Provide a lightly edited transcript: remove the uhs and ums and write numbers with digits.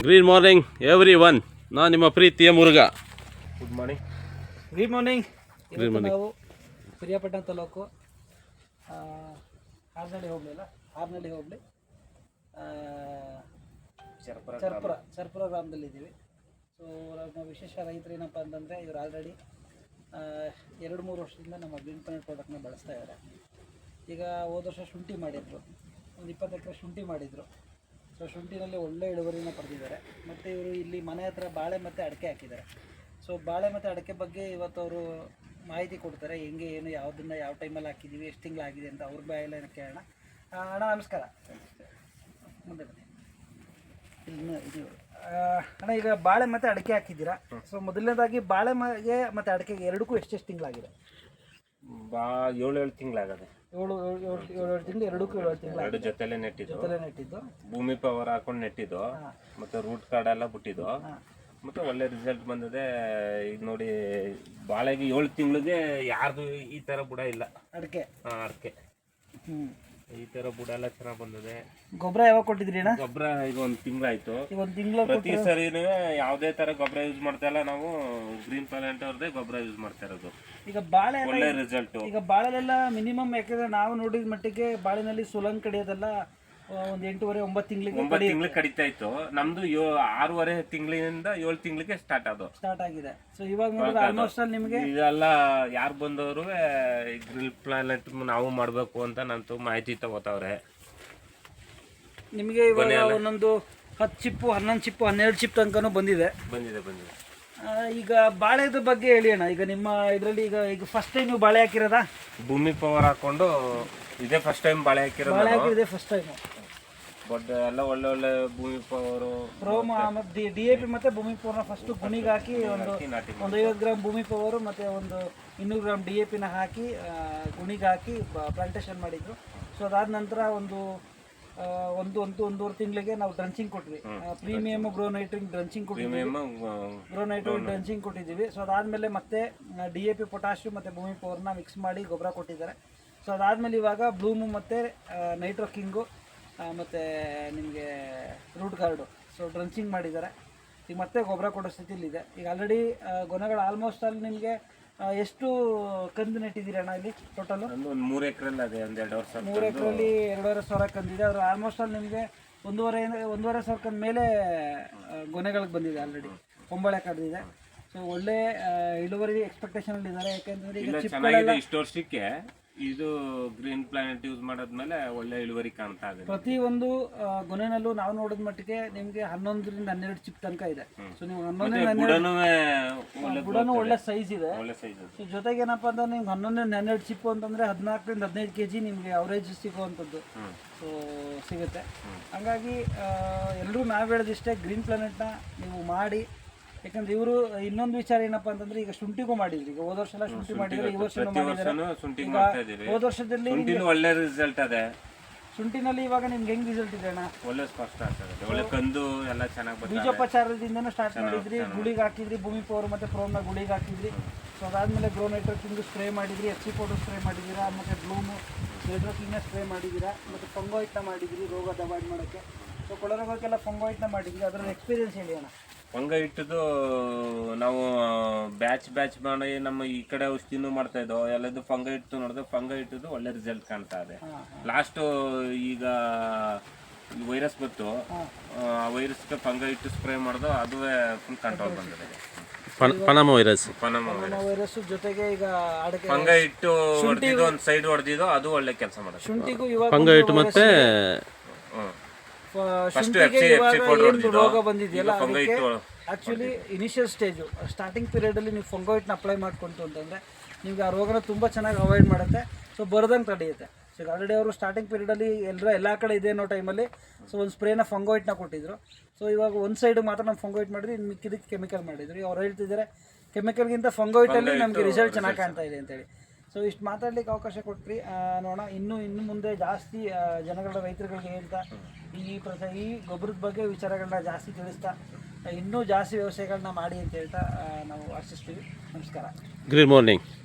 Green morning every one. ನಾನು ನಿಮ್ಮ ಪ್ರೀತಿಯ Murugha. Good morning. Good morning. ಇವತ್ತು ನಾವು ಪಿರಿಯಾಪಟ್ಟಣ ತಾಲೂಕು ಹಾರ್ನಳ್ಳಿ ಹೋಬಳಿ ಚರ್ಪುರ ಗ್ರಾಮದಲ್ಲಿದ್ದೀವಿ. ಸೊ ನಮ್ಮ ವಿಶೇಷ ರೈತರು ಏನಪ್ಪ ಅಂತಂದರೆ ಇವರು ಆಲ್ರೆಡಿ 2-3 ವರ್ಷದಿಂದ ನಮ್ಮ ಗ್ರೀನ್ ಪ್ಲಾನೆಟ್ ಪ್ರಾಡಕ್ಟ್ನ ಬಳಸ್ತಾ ಇದ್ದಾರೆ. ಈಗ ಹೋದ ವರ್ಷ ಶುಂಠಿ ಮಾಡಿದರು, ಒಂದು 20 ಎಕರೆ ಶುಂಠಿ ಮಾಡಿದರು. ಸೊ ಶುಂಠಿನಲ್ಲಿ ಒಳ್ಳೆ ಇಳುವರಿನ ಪಡೆದಿದ್ದಾರೆ. ಮತ್ತು ಇವರು ಇಲ್ಲಿ ಮನೆ ಹತ್ರ ಬಾಳೆ ಮತ್ತು ಅಡಿಕೆ ಹಾಕಿದ್ದಾರೆ. ಸೊ ಬಾಳೆ ಮತ್ತು ಅಡಿಕೆ ಬಗ್ಗೆ ಇವತ್ತು ಅವರು ಮಾಹಿತಿ ಕೊಡ್ತಾರೆ, ಹೆಂಗೆ ಏನು ಯಾವುದನ್ನು ಯಾವ ಟೈಮಲ್ಲಿ ಹಾಕಿದ್ದೀವಿ, ಎಷ್ಟು ತಿಂಗಳಾಗಿದೆ ಅಂತ ಅವ್ರ ಬಾಯಲ್ಲ ಕೇಳೋಣ. ಅಣ್ಣ ನಮಸ್ಕಾರ. ಮುಂದೆ ಬನ್ನಿ. ಇದು ಅಣ್ಣ, ಈಗ ಬಾಳೆ ಮತ್ತು ಅಡಿಕೆ ಹಾಕಿದ್ದೀರಾ. ಸೊ ಮೊದಲನೇದಾಗಿ ಬಾಳೆ ಮತ್ತು ಅಡಿಕೆಗೆ ಎರಡಕ್ಕೂ ಎಷ್ಟೆಷ್ಟು ತಿಂಗಳಾಗಿದೆ? 7 ತಿಂಗಳಾಗದೆ. 7 ತಿಂಗಳು, ಎರಡಕ್ಕೂ 7 ತಿಂಗಳು. ಎರಡು ಜೊತೆಲೆ ನೆಟ್ಟಿದ್ದು, ಭೂಮಿ ಪವರ್ ಹಾಕೊಂಡು ನೆಟ್ಟಿದ್ದು, ಮತ್ತೆ ರೂಟ್ ಕಾರ್ಡ್ ಎಲ್ಲ ಬಿಟ್ಟಿದ್ದು, ಮತ್ತೆ ಒಳ್ಳೆ ರಿಸಲ್ಟ್ ಬಂದಿದೆ. ಈಗ ನೋಡಿ, ಬಾಳೆಗೆ 7 ತಿಂಗಳಿಗೆ ಯಾರ್ದು ಈ ತರ ಬುಡ ಇಲ್ಲ. ಅಡಿಕೆ ಈ ತರ ಬುಡ ಎಲ್ಲ ಚೆನ್ನಾಗಿ ಬಂದಿದೆ. ಗೊಬ್ಬರ ಯಾವಾಗ ಕೊಟ್ಟಿದ್ರಿ ಅಣ್ಣ? ಗೊಬ್ಬರ ಈಗ 1 ತಿಂಗಳಾಯ್ತು. ಪ್ರತಿ ಸರಿನೂ ಯಾವುದೇ ತರ ಗೊಬ್ಬರ ಯೂಸ್ ಮಾಡ್ತಾ ಇಲ್ಲ ನಾವು. ಗ್ರೀನ್ ಪ್ಲಾನೆಟ್ ಅವ್ರದೇ ಗೊಬ್ಬರ ಯೂಸ್ ಮಾಡ್ತಾ ಇರೋದು. ಈಗ ಬಾಳೆ ಒಳ್ಳೆ ರಿಸಲ್ಟ್. ಈಗ ಬಾಳೆಲೆಲ್ಲ ಮಿನಿಮಮ್, ಯಾಕಂದ್ರೆ ನಾವು ನೋಡಿದ ಮಟ್ಟಿಗೆ ಬಾಳೆನಲ್ಲಿ ಸುಲಂಗ್ ಕಡಿಯೋದೆಲ್ಲ ಒಂದು 8-9 ತಿಂಗಳಿಗೆ ಕಡಿತಾ ಇತ್ತು. ನಮ್ದು 6 ತಿಂಗಳಿಂದ 7 ತಿಂಗಳಿಗೆ ಸ್ಟಾರ್ಟ್ ಆಗಿದೆ. ಸೊ ಇವಾಗ ನೋಡಿದ್ರೆ ಆಲ್ಮೋಸ್ಟ್ ನಿಮಗೆ ಇದೆಲ್ಲ ಯಾರು ಬಂದವರು ಗ್ರಿಲ್ ಪ್ಲಾನೆಟ್ ನಾವು ಮಾಡಬೇಕು ಅಂತ ನಂತು ಮಾಹಿತಿ ತಗೋತಾವ್ರೆ. ನಿಮಗೆ ಇವಾಗ ಒಂದೊಂದು 10 ಚಿಪ್ಪು, 11 ಚಿಪ್ಪು, 12 ಚಿಪ್ ತನಕನೂ ಬಂದಿದೆ. ಈಗ ಬಾಳೆದ ಬಗ್ಗೆ ಹೇಳಿ ಅಣ್ಣ. ಈಗ ನಿಮ್ಮ ಇದರಲ್ಲಿ ಈಗ ಫಸ್ಟ್ ಟೈಮ್ ನೀವು ಬಾಳೆ ಹಾಕಿರೋದಾ? ಭೂಮಿ ಪವರ್ ಹಾಕೊಂಡು ಇದೇ ಫಸ್ಟ್ ಟೈಮ್ ಬಾಳೆ ಹಾಕಿರೋದು. ಫಸ್ಟ್ ಟೈಮ್ ಬಟ್ ಎಲ್ಲ ಒಳ್ಳೆ ಭೂಮಿ ಪವರ್, ಪ್ರೋಮ ಮತ್ತು DAP ಮತ್ತೆ ಭೂಮಿ ಪವರ್ನ ಫಸ್ಟ್ ಗುಣಿಗೆ ಹಾಕಿ ಒಂದು 50 ಗ್ರಾಮ್ ಭೂಮಿ ಪವರು ಮತ್ತು ಒಂದು 200 ಗ್ರಾಮ್ DAPನ ಹಾಕಿ ಗುಣಿಗೆ ಹಾಕಿ ಪ್ಲಾಂಟೇಶನ್ ಮಾಡಿದ್ರು. ಸೊ ಅದಾದ ನಂತರ ಒಂದೂವರೆ ತಿಂಗಳಿಗೆ ನಾವು ಡ್ರಂಚಿಂಗ್ ಕೊಟ್ವಿ. ಪ್ರೀಮಿಯಮ್ ಗ್ರೋನೈಟ್ರಿಂಗ್ ಡ್ರಂಚಿಂಗ್ ಕೊಟ್ಟಿದ್ದೀವಿ. ಸೊ ಅದಾದಮೇಲೆ ಮತ್ತೆ DAP, ಪೊಟ್ಯಾಷಿಯಂ ಮತ್ತು ಭೂಮಿ ಪವರ್ನ ಮಿಕ್ಸ್ ಮಾಡಿ ಗೊಬ್ಬರ ಕೊಟ್ಟಿದ್ದಾರೆ. ಸೊ ಅದಾದಮೇಲೆ ಇವಾಗ ಬ್ಲೂಮು ಮತ್ತು ನೈಟ್ರೋ ಕಿಂಗು ಮತ್ತು ನಿಮಗೆ ರೂಟ್ ಗಾರ್ಡು ಸೊ ಡ್ರಂಚಿಂಗ್ ಮಾಡಿದ್ದಾರೆ. ಈಗ ಮತ್ತೆ ಗೊಬ್ಬರ ಕೊಡೋ ಸ್ಥಿತಿಲಿದೆ. ಈಗ ಆಲ್ರೆಡಿ ಗೊನೆಗಳು ಆಲ್ಮೋಸ್ಟ್ ಅಲ್ಲಿ ನಿಮಗೆ ಎಷ್ಟು ಕಂದು ನೆಟ್ಟಿದ್ದೀರಿ ಅಣ್ಣ? ಇಲ್ಲಿ ಟೋಟಲು 3 ಎಕರೆಲ್ಲಿ ಅದೇ 3 ಎಕರೆಯಲ್ಲಿ 2,500 ಕಂದಿದೆ. ಅವರು ಆಲ್ಮೋಸ್ಟ್ ಅಲ್ಲಿ ನಿಮಗೆ 1,500 ಕಂದ ಮೇಲೆ ಗೊನೆಗಳಿಗೆ ಬಂದಿದೆ. ಆಲ್ರೆಡಿ ಕೊಂಬಳೆ ಕಡ್ದಿದೆ. ಸೊ ಒಳ್ಳೆ ಇಳುವರಿ ಎಕ್ಸ್ಪೆಕ್ಟೇಷನ್ ಇದ್ದಾರೆ. ಯಾಕೆಂದರೆ ಈಗ ಚಿಪ್ಪಗಳೆಲ್ಲ ಇಷ್ಟು ವರ್ಷಕ್ಕೆ ಇದು ಗ್ರೀನ್ ಪ್ಲಾನೆಟ್ ಯೂಸ್ ಮಾಡಾದ್ಮೇಲೆ ಒಳ್ಳೆ ಇಳುವರಿ ಕಾಣ್ತಾ ಇದೆ. ಪ್ರತಿ ಒಂದು ಗೊನೆನಲ್ಲೂ ನಾವು ನೋಡಿದ ಮಟ್ಟಿಗೆ ನಿಮಗೆ 11ರಿಂದ 12 ಚಿಪ್ ತನಕ ಇದೆ. ಸೊ ನೀವು 11 ಬುಡನೂ ಒಳ್ಳೆ ಸೈಜ್ ಇದೆ. ಸೊ ಜೊತೆಗೆ ಏನಪ್ಪ ಅಂದ್ರೆ ನಿಮ್ಗೆ 11-12 ಚಿಪ್ಪು ಅಂತಂದ್ರೆ 14ರಿಂದ 15 kg ನಿಮಗೆ ಅವರೇಜ್ ಸಿಗುವಂಥದ್ದು ಸೊ ಸಿಗುತ್ತೆ. ಹಂಗಾಗಿ ಎಲ್ಲರೂ ನಾವು ಹೇಳೋದಿಷ್ಟೇ, ಗ್ರೀನ್ ಪ್ಲಾನೆಟ್ನ ನೀವು ಮಾಡಿ. ಯಾಕಂದ್ರೆ ಇವರು ಇನ್ನೊಂದು ವಿಚಾರ ಏನಪ್ಪಾ ಅಂತಂದ್ರೆ, ಈಗ ಶುಂಠಿಗೂ ಮಾಡಿದ್ರಿ. ಈಗ ಹೋದ ವರ್ಷ ಎಲ್ಲ ಶುಂಠಿ ಮಾಡಿದ್ರೆ, ಈ ವರ್ಷ ಹೋದ ವರ್ಷದಲ್ಲಿ ಒಳ್ಳೆ ರಿಸಲ್ಟ್ ಅದೇ. ಶುಂಠಿನಲ್ಲಿ ಇವಾಗ ನಿಮ್ಗೆ ಹೆಂಗ್ ರಿಸಲ್ಟ್ ಇದೆ ಅಣ್ಣ? ಒಳ್ಳೆ ಸ್ಪಷ್ಟ ಆಗ್ತದೆ, ಒಳ್ಳೆ ಕಂದು ಎಲ್ಲ ಚೆನ್ನಾಗಿ. ಬೀಜೋಪಚಾರದಿಂದನೂ ಸ್ಟಾರ್ಟ್ ಮಾಡಿದ್ರಿ, ಗುಳಿಗೆ ಹಾಕಿದ್ರಿ, ಭೂಮಿ ಪವರ್ ಮತ್ತೆ ಪ್ರೋಮ್ನ ಗುಳಿಗೆ ಹಾಕಿದ್ರಿ. ಸೊ ಅದಾದ್ಮೇಲೆ ಗ್ರೋ ನೈಟ್ರೋಕಿಂಗ್ ಸ್ಪ್ರೇ ಮಾಡಿದ್ರಿ, FC ಪೌಡರ್ ಸ್ಪ್ರೇ ಮಾಡಿದ್ದೀರಾ, ಮತ್ತೆ ಬ್ಲೂಮು ನೈಟ್ರೋಕಿಂಗ್ನ ಸ್ಪ್ರೇ ಮಾಡಿದ್ದೀರಾ, ಮತ್ತೆ ಫಂಗೋಯಿಟ್ನ ಮಾಡಿದ್ರಿ ರೋಗದ ಅವಾಯ್ಡ್ ಮಾಡೋಕ್ಕೆ. ಸೊ ಕೊಳರೋಗಕ್ಕೆಲ್ಲ ಫಂಗೋಯಿಟ್ನ ಮಾಡಿದ್ರಿ. ಅದರ ಎಕ್ಸ್ಪೀರಿಯನ್ಸ್ ಹೇಳಿ ಅಣ್ಣ. ಫಂಗ ಇಟ್ಟದು ನಾವು ಬ್ಯಾಚ್ ಮಾಡಿ ನಮ್ಮ ಈ ಕಡೆ ಔಷಧಿನೂ ಮಾಡ್ತಾ ಇದ್ದೋ ಎಲ್ಲದು. ಫಂಗ ಇಟ್ಟು ನೋಡಿದ್ರೆ ಫಂಗ ಇಟ್ಟದು ಒಳ್ಳೆ ರಿಸಲ್ಟ್ ಕಾಣ್ತಾ ಇದೆ. ಲಾಸ್ಟ್ ಈಗ ವೈರಸ್ ಬಂತು, ಆ ವೈರಸ್ಗೆ ಫಂಗ ಇಟ್ಟು ಸ್ಪ್ರೇ ಮಾಡಿದೋ ಅದುವೇ ಫುಲ್ ಕಂಟ್ರೋಲ್ ಬಂದಿದೆ. ಪನಾಮ ವೈರಸ್ ಜೊತೆಗೆ ಈಗ ಫಂಗ ಇಟ್ಟು ಹೊಡೆದಿದ್ದು ಒಂದು ಸೈಡ್ ಹೊಡೆದಿದ್ದು ಅದು ಒಳ್ಳೆ ಕೆಲಸ ಮಾಡೋದು. ಶುಂಠಿಗೂ ಫಂಗ ಇಟ್ಟು ಮತ್ತೆ ರೋಗ ಬಂದಿದೆಯಲ್ಲ, ಆಕ್ಚುಲಿ ಇನಿಷಿಯಲ್ ಸ್ಟೇಜು ಸ್ಟಾರ್ಟಿಂಗ್ ಪೀರಿಯಡಲ್ಲಿ ನೀವು ಫಂಗೋಯಿಟ್ನ ಅಪ್ಲೈ ಮಾಡ್ಕೊಂತು ಅಂತಂದರೆ ನಿಮ್ಗೆ ಆ ರೋಗನ ತುಂಬ ಚೆನ್ನಾಗಿ ಅವಾಯ್ಡ್ ಮಾಡುತ್ತೆ. ಸೊ ಬರ್ದಂಗೆ ತಡೆಯುತ್ತೆ. ಸೊ ಆಲ್ರೆಡಿ ಅವರು ಸ್ಟಾರ್ಟಿಂಗ್ ಪೀರಿಯಡಲ್ಲಿ ಎಲ್ಲ ಕಡೆ ಇದೆ ಅನ್ನೋ ಟೈಮಲ್ಲಿ ಸೊ ಒಂದು ಸ್ಪ್ರೇನ ಫಂಗೋಯಿಟ್ನ ಕೊಟ್ಟಿದ್ರು. ಸೊ ಇವಾಗ ಒಂದು ಸೈಡ್ ಮಾತ್ರ ನಾವು ಫಂಗೋಯಿಟ್ ಮಾಡಿದ್ರಿ, ಇನ್ನು ಮಿಕ್ಕಿದಕ್ಕೆ ಕೆಮಿಕಲ್ ಮಾಡಿದ್ರು. ಅವ್ರು ಹೇಳ್ತಿದ್ದಾರೆ ಕೆಮಿಕಲ್ಗಿಂತ ಫಂಗೋಯಿಟಲ್ಲಿ ನಮಗೆ ರಿಸಲ್ಟ್ ಚೆನ್ನಾಗಿ ಕಾಣ್ತಾ ಇದೆ ಅಂತೇಳಿ. ಸೊ ಇಷ್ಟು ಮಾತಾಡ್ಲಿಕ್ಕೆ ಅವಕಾಶ ಕೊಟ್ರಿ. ನೋಡೋಣ ಇನ್ನು ಮುಂದೆ ಜಾಸ್ತಿ ಜನಗಳ ರೈತರುಗಳಿಗೆ ಹೇಳ್ತಾ ಈ ಗೊಬ್ಬರದ ಬಗ್ಗೆ ವಿಚಾರಗಳನ್ನ ಜಾಸ್ತಿ ತಿಳಿಸ್ತಾ ಇನ್ನೂ ಜಾಸ್ತಿ ವ್ಯವಸಾಯಗಳನ್ನ ಮಾಡಿ ಅಂತ ಹೇಳ್ತಾ ನಾವು ಆಶಿಸ್ತೀವಿ. ನಮಸ್ಕಾರ. Good morning.